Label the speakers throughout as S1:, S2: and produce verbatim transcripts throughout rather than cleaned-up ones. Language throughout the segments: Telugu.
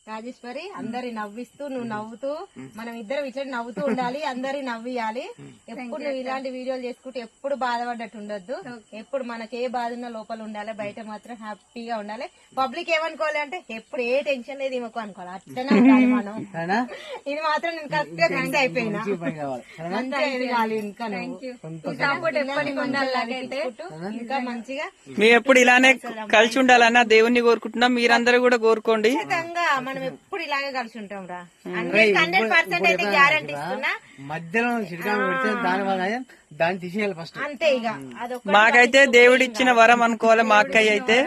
S1: రాజేశ్వరి అందరి నవ్విస్తూ నువ్వు నవ్వుతూ మనం ఇద్దరం ఇట్లా నవ్వుతూ ఉండాలి, అందరి నవ్వియాలి. ఎప్పుడు నువ్వు ఇలాంటి వీడియోలు చేసుకుంటూ ఎప్పుడు బాధపడ్డట్టు ఉండొద్దు. ఎప్పుడు మనకి ఏ బాధ ఉన్నా లోపల ఉండాలి, బయట మాత్రం హ్యాపీగా ఉండాలి. పబ్లిక్ ఏమనుకోవాలి అంటే ఎప్పుడు ఏ టెన్షన్ లేదు ఏమో అనుకోవాలి, అట్లనే ఉండాలి మనం. ఇది మాత్రం నేను కరెక్ట్ గా ఫిక్స్ అయిపోయినా. ఇంకా మంచిగా
S2: మేము ఎప్పుడు ఇలానే కలిసి ఉండాలన్నా దేవుణ్ణి కోరుకుంటున్నాం, మీరందరూ కూడా కోరుకోండి.
S1: ఖచ్చితంగా మనం ఎప్పుడు ఇలాగే కలిసి ఉంటాం రా. హండ్రెడ్ పర్సెంట్ అయితే గ్యారంటీ ఇస్తున్నా.
S3: మధ్యలో పెడితే దాని వల్ల దాన్ని తీసేయాలి ఫస్ట్
S1: అంతే. ఇక అదొక
S2: మాకైతే దేవుడిచ్చిన వరం అనుకోవాలి. మా అక్కయ్య అయితే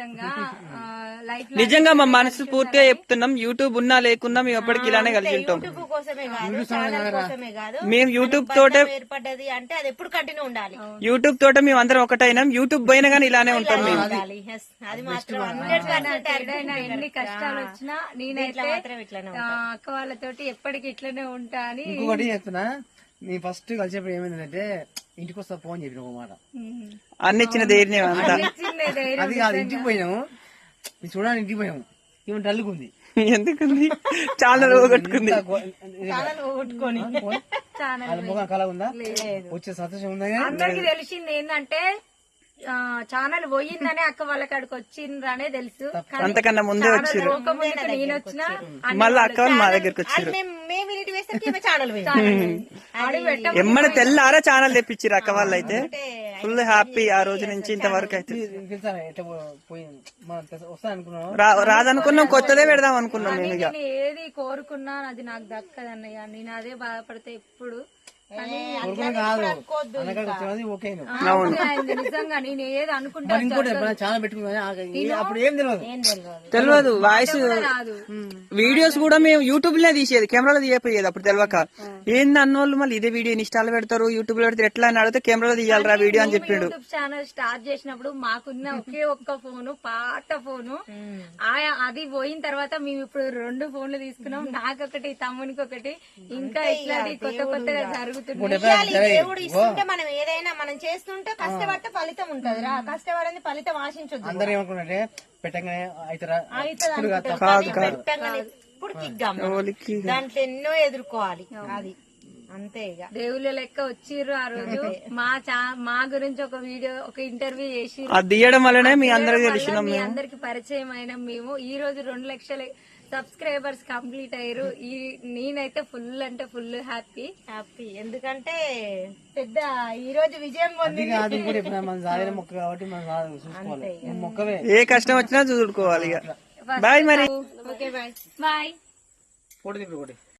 S2: నిజంగా మా మనసు పూర్తిగా చెప్తున్నాం, యూట్యూబ్ ఉన్నా లేకున్నా మేము ఎప్పటికి ఇలానే కలిసి ఉంటాం.
S1: యూట్యూబ్ కోసమే కాదు, ఛానల్ కోసమే కాదు,
S2: మేము యూట్యూబ్ తోటే
S1: ఏర్పడ్డది అంటే అది ఎప్పుడు కంటిన్యూ ఉండాలి.
S2: యూట్యూబ్ తోటే మేము అందరం ఒకటైనాం. యూట్యూబ్ పోయినా గానీ ఇలానే ఉంటాం మేము.
S1: అది మాత్రం హండ్రెడ్ పర్సెంట్
S4: ఎన్ని కష్టాలు వచ్చినా నేనైతే అక్క వాళ్ళతోటి ఎప్పటికి ఇట్లనే ఉంటా అని.
S3: ఇంకొకటి చెప్తున్నా, నీ ఫస్ట్ కలిసేప్పుడు ఏమైందంటే ఇంటికి వస్తా ఫోన్ చెప్పిన ఒక మాట,
S2: అన్ని ఇచ్చిన ధైర్యం అంతా.
S3: అది కాదు, ఇంటికి పోయినాము చూడాలి, ఇంటికి పోయాము ఏమో డల్లుకుంది.
S2: ఎందుకుంది? చాలా పోగొట్టుకుంది.
S3: ముఖం కళ ఉందా, వచ్చే సంతోషం ఉందా?
S4: అందరికి తెలిసింది ఏంటంటే ఛానల్ పోయిందనే అక్క వాళ్ళ కాడికి వచ్చిందనే తెలుసు.
S2: అంతకన్నా ముందే వచ్చారు,
S4: నేను వచ్చిన
S2: మళ్ళీ అక్క వాళ్ళు మా దగ్గరకు వచ్చారు. ఎమ్మడి తెల్లారా ఛానల్ తెప్పించారు అక్క వాళ్ళు. అయితే ఫుల్ హ్యాపీ ఆ రోజు నుంచి ఇంతవరకు. అయితే రాదనుకున్నాం, కొత్తదే పెడదాం అనుకున్నాం మేము. ఇక
S4: ఏది కోరుకున్నా అది నాకు దక్కదన్నయ్య, నేను అదే బాధపడితే ఎప్పుడు నిజంగా నేను ఏది అనుకుంటా
S2: తెలియదు. వాయిస్ వీడియోస్ కూడా మేము యూట్యూబ్ లో తీసేది, కెమెరాలో తీయపోయేది అప్పుడు తెలియక. ఏంది అన్నోళ్ళు మళ్ళీ ఇదే వీడియో ఇన్స్టాల్ పెడతారు, యూట్యూబ్ లో పెడతారు, ఎట్లా అని అడిగితే కెమెరాలో తీయాలరా వీడియో అని చెప్పిండు.
S4: యూట్యూబ్ ఛానల్ స్టార్ట్ చేసినప్పుడు మాకున్న ఒకే ఒక్క ఫోను, పాత ఫోను. అది పోయిన తర్వాత మేము ఇప్పుడు రెండు ఫోన్లు తీసుకున్నాం, నాకొకటి తమ్మునికి ఒకటి. ఇంకా ఇట్లాంటి కొత్త కొత్తగా జరుగుతుంది.
S1: దేవుడు ఇస్తుంటే మనం ఏదైనా మనం చేస్తుంటే కష్టపడితే ఫలితం ఉంటది రా. కష్టపడింది ఫలితం ఆశించొద్దు.
S3: అందరూ ఏమనుకుంటే పెట్టగానే
S1: దాంట్లో ఎన్నో ఎదుర్కోవాలి, అది అంతే. ఇక
S4: దేవుళ్ళ లెక్క వచ్చిర్రు ఆ రోజు. మా మా గురించి ఒక వీడియో, ఒక ఇంటర్వ్యూ చేసి
S2: అది తీయడం వల్లనే మీ అందరికి తెలిసిన
S4: మీ అందరికి పరిచయం అయినా మేము. ఈ రోజు రెండు లక్షల సబ్స్క్రైబర్స్ కంప్లీట్ అయ్యారు. ఈ నేనైతే ఫుల్ అంటే ఫుల్ హ్యాపీ
S1: హ్యాపీ ఎందుకంటే పెద్ద ఈ రోజు విజయం పొందింది.
S3: మొక్క కాబట్టి మొక్కవే
S2: ఏ కష్టం వచ్చినా చూసుకోవాలి. ఇక బాయ్ మరి.
S1: Okay bye
S4: bye.
S3: ఫోటో